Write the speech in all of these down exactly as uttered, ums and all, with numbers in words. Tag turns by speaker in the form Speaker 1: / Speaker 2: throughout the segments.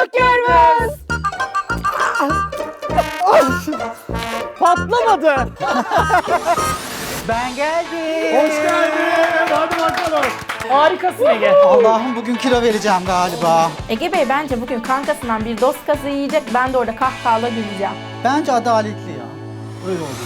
Speaker 1: Yok Gürbüz.
Speaker 2: Patlamadı.
Speaker 3: Ben geldim.
Speaker 2: Hoş geldin. Hadi bakalım. Harikasın Ege.
Speaker 3: Allah'ım bugün kilo vereceğim galiba.
Speaker 1: Ege Bey bence bugün kankasından bir dost kazığı yiyecek. Ben de orada kahkahalarla güleceğim.
Speaker 3: Bence adaletli ya.
Speaker 2: Öyle oldu.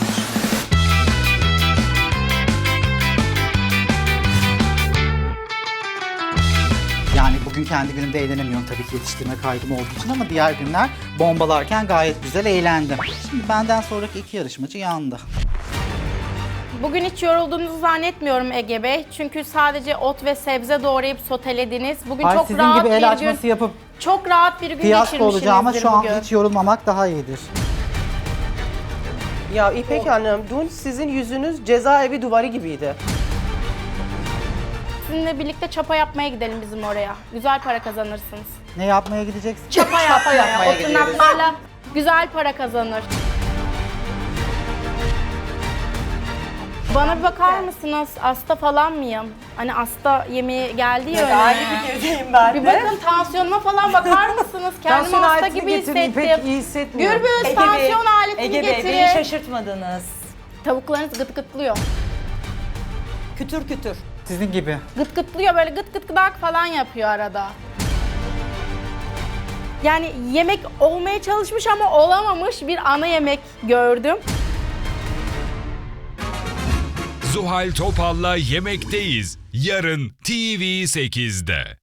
Speaker 3: Yani bugün kendi günümde eğlenemiyorum tabii ki yetiştirme kaygım olduğu için ama diğer günler bombalarken gayet güzel eğlendim. Şimdi benden sonraki iki yarışmacı yandı.
Speaker 1: Bugün hiç yorulduğunuzu zannetmiyorum Ege Bey. Çünkü sadece ot ve sebze doğrayıp sotelediniz. Bugün
Speaker 3: Ay
Speaker 1: çok
Speaker 3: sizin
Speaker 1: rahat
Speaker 3: gibi el
Speaker 1: bir
Speaker 3: açması
Speaker 1: gün,
Speaker 3: yapıp
Speaker 1: çok rahat bir gün
Speaker 3: fiyasko olacağıma
Speaker 1: geçirmişsinizdir
Speaker 3: şu an
Speaker 1: bugün.
Speaker 3: hiç yorulmamak daha iyidir.
Speaker 4: Ya İpek Hanım, dün sizin yüzünüz cezaevi duvarı gibiydi.
Speaker 1: Sizinle birlikte çapa yapmaya gidelim bizim oraya. Güzel para kazanırsınız.
Speaker 3: Ne yapmaya gideceksin?
Speaker 1: Çapa yapmaya,
Speaker 4: yapmaya
Speaker 1: o tırnaklarla güzel para kazanır. Bana bir bakar mısınız? Hasta falan mıyım? Hani hasta yemeği geldi ya önüme.
Speaker 4: Aynı fikirdeyim ben
Speaker 1: Bir bakın tansiyonuma falan bakar mısınız? Kendimi
Speaker 5: Tansiyon
Speaker 1: hasta
Speaker 5: aletini
Speaker 1: gibi
Speaker 5: getirin,
Speaker 1: hissettim.
Speaker 5: pek iyi hissetmiyorum.
Speaker 1: Gürbüz
Speaker 5: Ege Bey,
Speaker 1: tansiyon aletini
Speaker 5: Ege Bey,
Speaker 1: getirin.
Speaker 5: beni şaşırtmadınız.
Speaker 1: Tavuklarınız gıt gıtlıyor.
Speaker 5: Kütür kütür.
Speaker 3: Sizin gibi.
Speaker 1: Gıt gıtlıyor böyle gıt gıt gıdak falan yapıyor arada. Yani yemek olmaya çalışmış ama olamamış bir ana yemek gördüm.
Speaker 6: Zuhal Topal'la Yemekteyiz. Yarın T V sekizde.